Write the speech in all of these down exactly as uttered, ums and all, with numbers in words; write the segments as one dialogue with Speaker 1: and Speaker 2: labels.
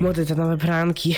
Speaker 1: Młody to nowe pranki.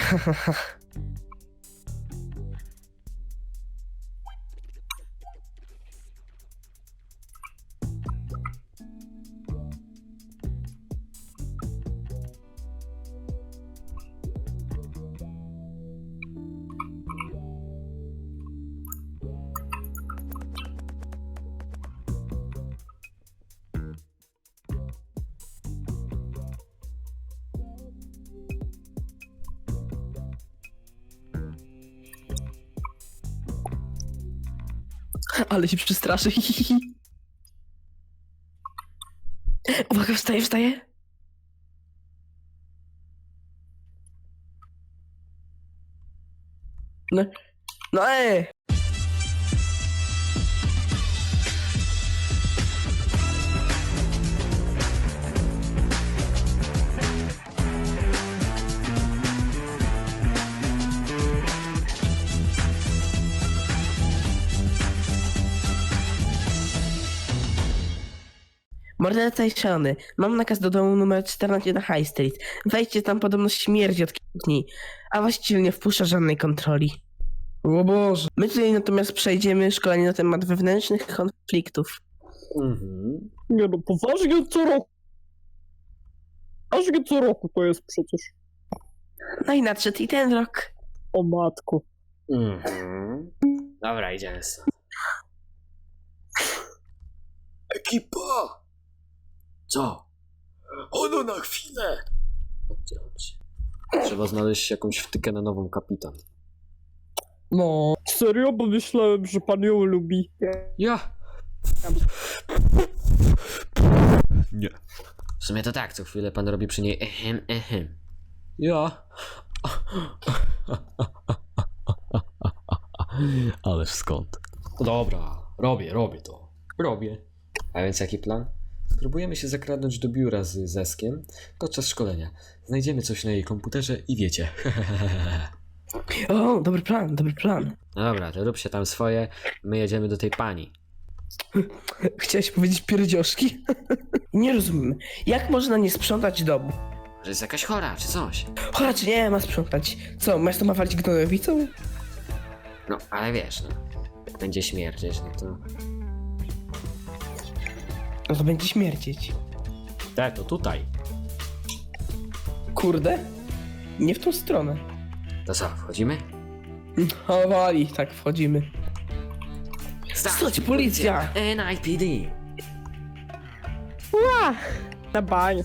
Speaker 1: Ale się przestraszy. Uwaga, wstaje, wstaje. No, no ej! Morderca i szalony. Mam nakaz do domu numer czternaście na High Street. Wejdźcie tam, podobno śmierdzi od kilku dni. A właściwie nie wpuszcza żadnej kontroli. O Boże. My tutaj natomiast przejdziemy szkolenie na temat wewnętrznych konfliktów.
Speaker 2: Mhm.
Speaker 3: Nie no, poważnie co roku. Poważnie co roku to jest przecież.
Speaker 1: No i nadszedł i ten rok.
Speaker 3: O matko.
Speaker 2: Mhm. Dobra, idziemy stąd.
Speaker 4: Ekipa!
Speaker 2: Co?
Speaker 4: Ono na chwilę!
Speaker 2: Chodźcie, chodźcie. Trzeba znaleźć jakąś wtykę na nową kapitan.
Speaker 3: No. Serio? Bo myślałem, że pan ją lubi.
Speaker 2: Ja! Nie. W sumie to tak, co chwilę pan robi przy niej ehem, ehem. Ja. Ależ skąd? Dobra, robię, robię to. Robię. A więc jaki plan? Spróbujemy się zakradnąć do biura z Zeskiem podczas szkolenia. Znajdziemy coś na jej komputerze i wiecie.
Speaker 1: O, dobry plan, dobry plan.
Speaker 2: No dobra, to rób się tam swoje, my jedziemy do tej pani.
Speaker 1: Chciałeś powiedzieć pierdzioszki? Nie rozumiem. Jak można nie sprzątać domu?
Speaker 2: Że jest jakaś chora, czy coś.
Speaker 1: Chora czy nie, ma sprzątać. Co, masz to mawalić gnojowicą?
Speaker 2: No, ale wiesz, no. Jak będzie śmierdzieć, no to...
Speaker 1: No to będzie śmierdzieć.
Speaker 2: Tak, to tutaj.
Speaker 1: Kurde? Nie w tą stronę.
Speaker 2: To co, wchodzimy?
Speaker 1: O, wali, tak, wchodzimy. Stać, policja!
Speaker 2: N I P D!
Speaker 3: Na banie.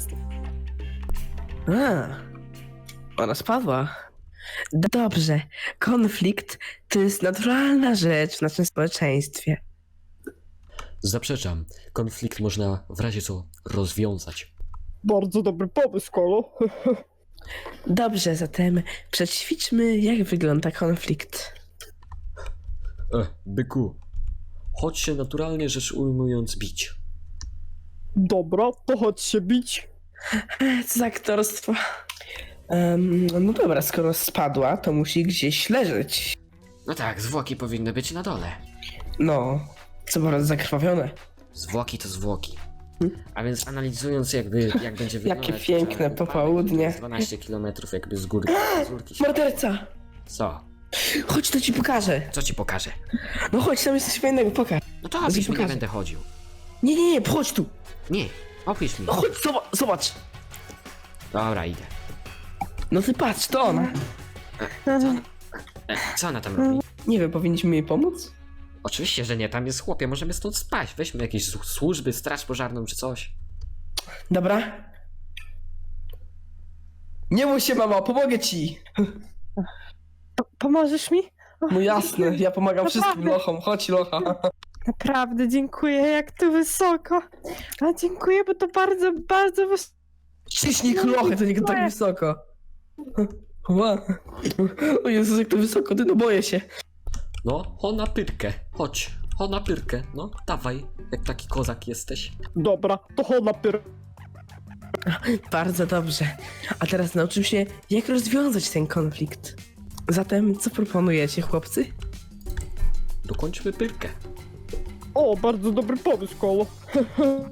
Speaker 1: A, ona spadła. Dobrze, konflikt to jest naturalna rzecz w naszym społeczeństwie.
Speaker 2: Zaprzeczam. Konflikt można w razie co rozwiązać.
Speaker 3: Bardzo dobry pomysł, Kolo.
Speaker 1: Dobrze, zatem przećwiczmy, jak wygląda konflikt.
Speaker 2: E, byku. Chodź się naturalnie rzecz ujmując bić.
Speaker 3: Dobra, to chodź się bić.
Speaker 1: Co za aktorstwo. Um, no dobra, skoro spadła, to musi gdzieś leżeć.
Speaker 2: No tak, zwłoki powinny być na dole.
Speaker 1: No, co bardzo zakrwawione.
Speaker 2: Zwłoki to zwłoki. A więc analizując jakby, jak będzie wyglądać...
Speaker 1: Jakie piękne
Speaker 2: to
Speaker 1: popołudnie.
Speaker 2: dwanaście kilometrów jakby z górki. Z górki się...
Speaker 1: Morderca!
Speaker 2: Co?
Speaker 1: Chodź, to ci pokażę.
Speaker 2: Co ci pokażę?
Speaker 1: No chodź, tam jest coś fajnego, pokaż.
Speaker 2: No to
Speaker 1: ci
Speaker 2: opisz mi, nie
Speaker 1: pokażę.
Speaker 2: będę chodził.
Speaker 1: Nie, nie, nie, chodź tu.
Speaker 2: Nie, opisz mi.
Speaker 1: No chodź, zobacz, zobacz.
Speaker 2: Dobra, idę.
Speaker 1: No ty patrz, to ona.
Speaker 2: Co ona, e, co ona tam robi?
Speaker 1: Nie wiem, powinniśmy jej pomóc?
Speaker 2: Oczywiście, że nie, tam jest chłopie, możemy stąd spać. Weźmy jakieś słu- służby, straż pożarną czy coś.
Speaker 1: Dobra. Nie bój się, mama, pomogę ci.
Speaker 5: Po- pomożesz mi? O,
Speaker 1: No jasne, ja pomagam wszystkim
Speaker 5: Naprawdę?
Speaker 1: lochom. Chodź, locha.
Speaker 5: Naprawdę dziękuję, jak tu wysoko. A dziękuję, bo to bardzo, bardzo wysoko.
Speaker 1: Ciśnij lochy, to nie tak wysoko. Ła. O Jezus, jak to wysoko, ty, no boję się.
Speaker 2: No, ho na pyrkę, chodź. Ho na pyrkę, no, dawaj, jak taki kozak jesteś.
Speaker 3: Dobra, to chodź na pier...
Speaker 1: Bardzo dobrze. A teraz nauczymy się, jak rozwiązać ten konflikt. Zatem, co proponujecie, chłopcy?
Speaker 2: Dokończmy pyrkę.
Speaker 3: O, bardzo dobry pomysł, Kolo.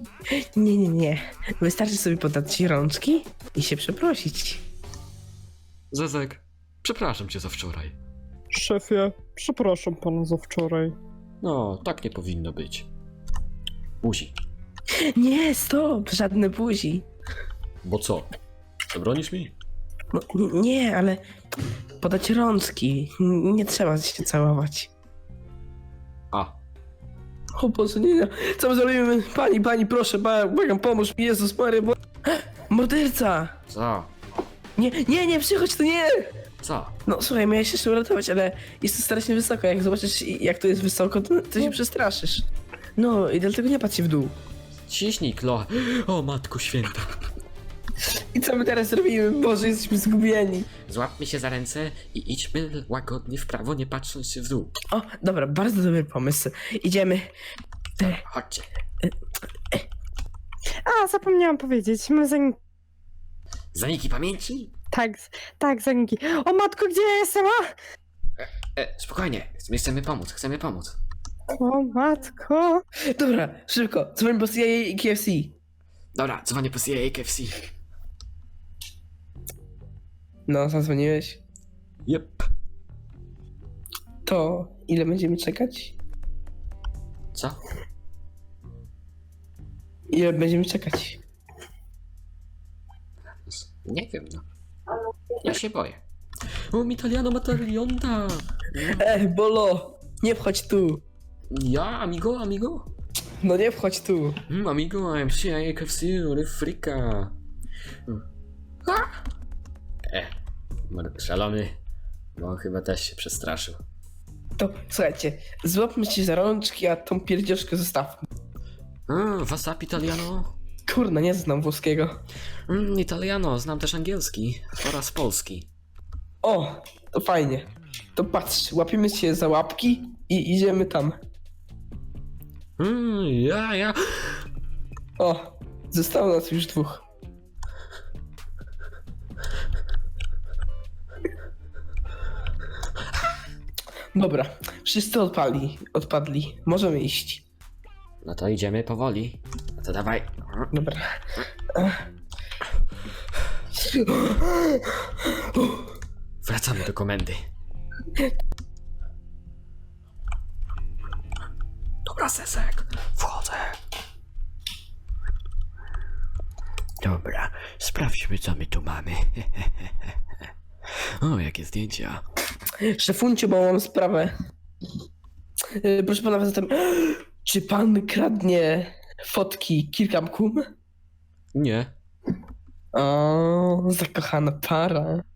Speaker 1: Nie, nie, nie. Wystarczy sobie podać ci rączki i się przeprosić.
Speaker 2: Zezek, przepraszam cię za wczoraj.
Speaker 3: Szefie, przepraszam pana za wczoraj.
Speaker 2: No, tak nie powinno być. Buzi.
Speaker 1: Nie, stop, żadne buzi.
Speaker 2: Bo co? Zabronisz mi?
Speaker 1: No, n- nie, ale podać rączki. N- Nie trzeba się całować.
Speaker 2: A,
Speaker 1: O Boże, nie, nie. Co my zrobimy? Pani, pani, proszę, ba- błagam, pomóż mi, Jezus Mary, bo... Morderca!
Speaker 2: co?
Speaker 1: Nie, nie, nie, przychodź tu, nie!
Speaker 2: Co?
Speaker 1: No słuchaj, miałeś się jeszcze uratować, ale jest tu strasznie wysoko. Jak zobaczysz, jak tu jest wysoko, to, to się przestraszysz. No i dlatego nie patrz się w dół.
Speaker 2: Ciśnij kloch. O, matko święta.
Speaker 1: I co my teraz robimy? Boże, jesteśmy zgubieni.
Speaker 2: Złapmy się za ręce i idźmy łagodnie w prawo, nie patrząc się w dół.
Speaker 1: O, dobra, bardzo dobry pomysł. Idziemy.
Speaker 2: Chodźcie.
Speaker 5: A, zapomniałam powiedzieć. My zanim...
Speaker 2: Zaniki pamięci?
Speaker 5: Tak, tak, zaniki. O matko, gdzie ja jestem? A!
Speaker 2: E, spokojnie, my chcemy pomóc, chcemy pomóc.
Speaker 5: O matko.
Speaker 1: Dobra, szybko, dzwoń po C I A i K F C.
Speaker 2: Dobra, dzwonię po C I A K F C.
Speaker 1: No, zadzwoniłeś.
Speaker 2: Jep.
Speaker 1: To ile będziemy czekać?
Speaker 2: Co?
Speaker 1: Ile będziemy czekać?
Speaker 2: Nie wiem, no. Ja się boję. O, Italiano Matarionda!
Speaker 1: E, Bolo, nie wchodź tu.
Speaker 2: Ja, amigo, amigo?
Speaker 1: No nie wchodź tu.
Speaker 2: Mm, amigo, I'm C I A K F C, Ryfrika. E, mar- szalony. Bo on chyba też się przestraszył.
Speaker 1: To słuchajcie, złapmy się za rączki, a tą pierdzioszkę zostawmy.
Speaker 2: A, WhatsApp Italiano?
Speaker 1: Kurna, nie znam włoskiego.
Speaker 2: Mm, Italiano, znam też angielski oraz polski.
Speaker 1: O, to fajnie. To patrz, łapiemy się za łapki i idziemy tam.
Speaker 2: Mm, ja, ja.
Speaker 1: O, zostało nas już dwóch. Dobra, wszyscy odpali, odpadli. Możemy iść.
Speaker 2: No to idziemy powoli. No to dawaj.
Speaker 1: Dobra.
Speaker 2: Wracamy do komendy. Dobra, Sesek. Wchodzę. Dobra, sprawdźmy, co my tu mamy. O, jakie zdjęcia.
Speaker 1: Szefuncie, bo mam sprawę. Yy, Proszę pana, zatem, czy pan kradnie fotki Kirkham Kum?
Speaker 2: Nie.
Speaker 1: O, zakochana para.